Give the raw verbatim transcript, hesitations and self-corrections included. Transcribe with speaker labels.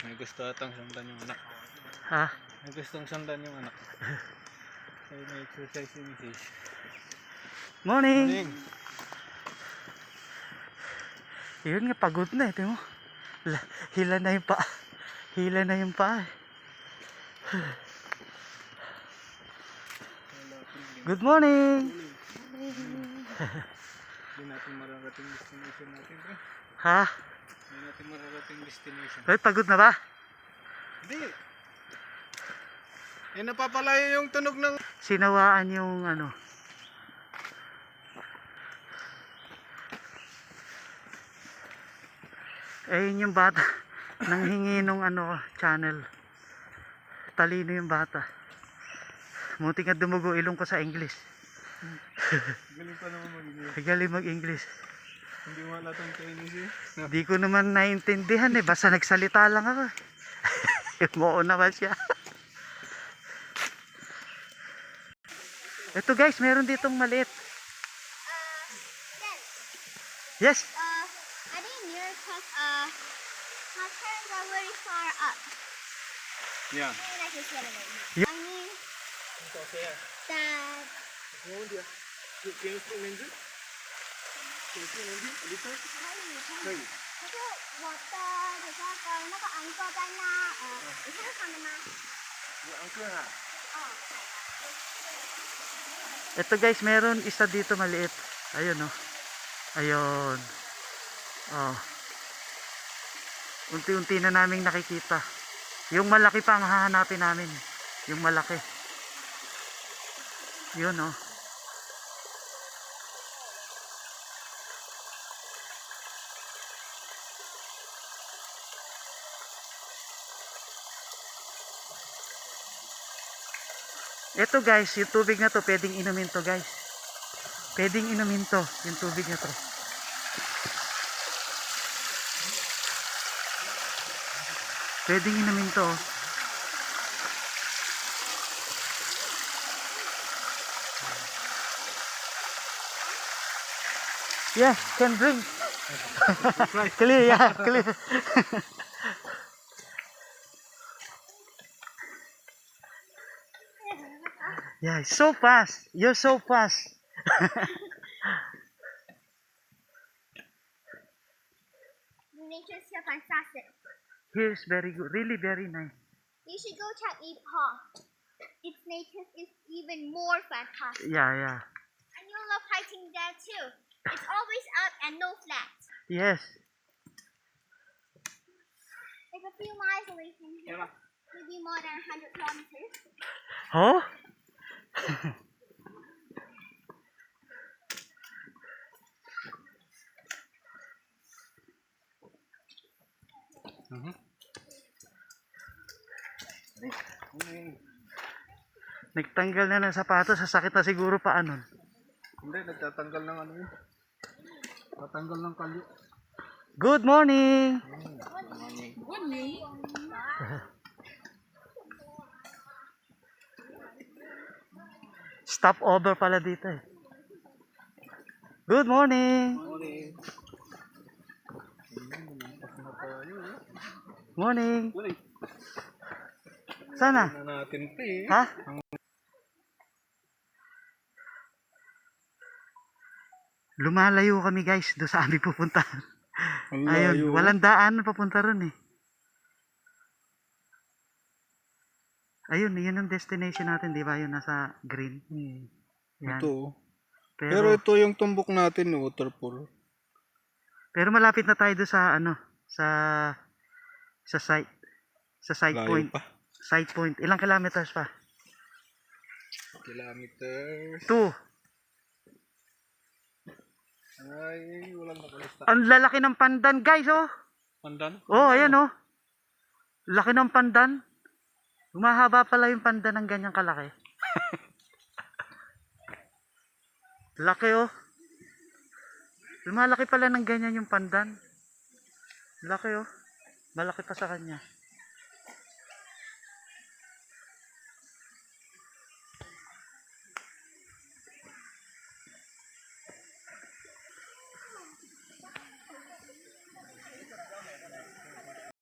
Speaker 1: May gusto atang sundan yung anak.
Speaker 2: Ha?
Speaker 1: May gustong sundan yung anak. Kaya may exercise si misis.
Speaker 2: Morning!
Speaker 1: Morning!
Speaker 2: Yun nga, pagod na eh. Tingnan mo. La- Hila na yung pa. Hila na yung pa. Good morning!
Speaker 1: Hindi natin mararating destination natin, pre.
Speaker 2: Ha?
Speaker 1: Hindi natin mararating destination.
Speaker 2: Ay, pagod na ba?
Speaker 1: Hindi! Eh, napapalayo yung tunog ng...
Speaker 2: Sinawaan yung ano. Eh, yun yung bata. Nanghingi nung ano, channel. Talino yung bata. Munti nga dumugo ilong ko sa English.
Speaker 1: Galing pa naman mag-English.
Speaker 2: Galing mag-English.
Speaker 1: Hindi mo halatang Chinese eh. No.
Speaker 2: Di ko naman naintindihan eh. Basta nagsalita lang ako. Moo naman siya. Ito guys, meron ditong maliit. Yes.
Speaker 3: Uh, I think near because uh, my parents are very far up.
Speaker 1: Yeah.
Speaker 3: Maybe I can get it.
Speaker 2: Yeah.
Speaker 3: I mean
Speaker 1: Okay.
Speaker 3: that.
Speaker 1: Can you speak Mandarin? Can you speak Mandarin? A little? 可以。
Speaker 3: 可是我的那个那个 uncle 在那，呃，你看到他们吗？
Speaker 1: Yung uncle ha?
Speaker 3: 哦。
Speaker 2: Ito guys, meron isa dito maliit. Ayun oh. Ayun. Oh. Unti-unti na naming nakikita. Yung malaki pa ang hahanapin namin. Yung malaki. Yun oh. Ito guys, yung tubig na to, pwedeng inumin to guys. Pwedeng inumin to, yung tubig na to. Pwedeng inumin to. Yeah, can drink. Clear, yeah, clear. Yeah, so fast. You're so fast.
Speaker 3: The nature's here fantastic.
Speaker 2: Here's very good. Really very nice.
Speaker 3: You should go check Ipoh. Its nature is even more fantastic.
Speaker 2: Yeah, yeah.
Speaker 3: And you'll love hiking there too. It's always up and no flats.
Speaker 2: Yes.
Speaker 3: It's a few miles away from here. Maybe more than one hundred kilometers.
Speaker 2: Oh?
Speaker 1: Mhm.
Speaker 2: Nagtanggal na ng sapatos, sasakit na siguro pa anon.
Speaker 1: Hindi, nagtatanggal ng ano yun. Tatanggal ng kalyo.
Speaker 2: Good morning. Stop over pala dito eh. Good morning.
Speaker 1: Morning.
Speaker 2: Morning.
Speaker 1: Morning.
Speaker 2: Sana?
Speaker 1: Na natin pa eh.
Speaker 2: Ha? Lumalayo kami guys doon sa aming pupuntahan.
Speaker 1: Ang
Speaker 2: Ayun,
Speaker 1: layo.
Speaker 2: walang daan papunta ron eh. Ayun, yun ang destination natin, di ba? Yun nasa green.
Speaker 1: Hmm.
Speaker 2: Yan.
Speaker 1: Ito oh.
Speaker 2: Pero,
Speaker 1: Pero ito yung tumbok natin, waterfall.
Speaker 2: pero malapit na tayo doon sa ano, sa sa site, sa site
Speaker 1: Layo
Speaker 2: point.
Speaker 1: pa.
Speaker 2: Site point. Ilang kilometers pa?
Speaker 1: Kilometers.
Speaker 2: Two.
Speaker 1: Ay, walang nakalista.
Speaker 2: Ang lalaki ng pandan, guys, oh.
Speaker 1: Pandan?
Speaker 2: Oh, ayan, oh. Laki ng pandan. Humahaba pala yung pandan ng ganyang kalaki. Laki, oh. Lumalaki pala ng ganyan yung pandan. Laki, oh. Malaki pa sa kanya.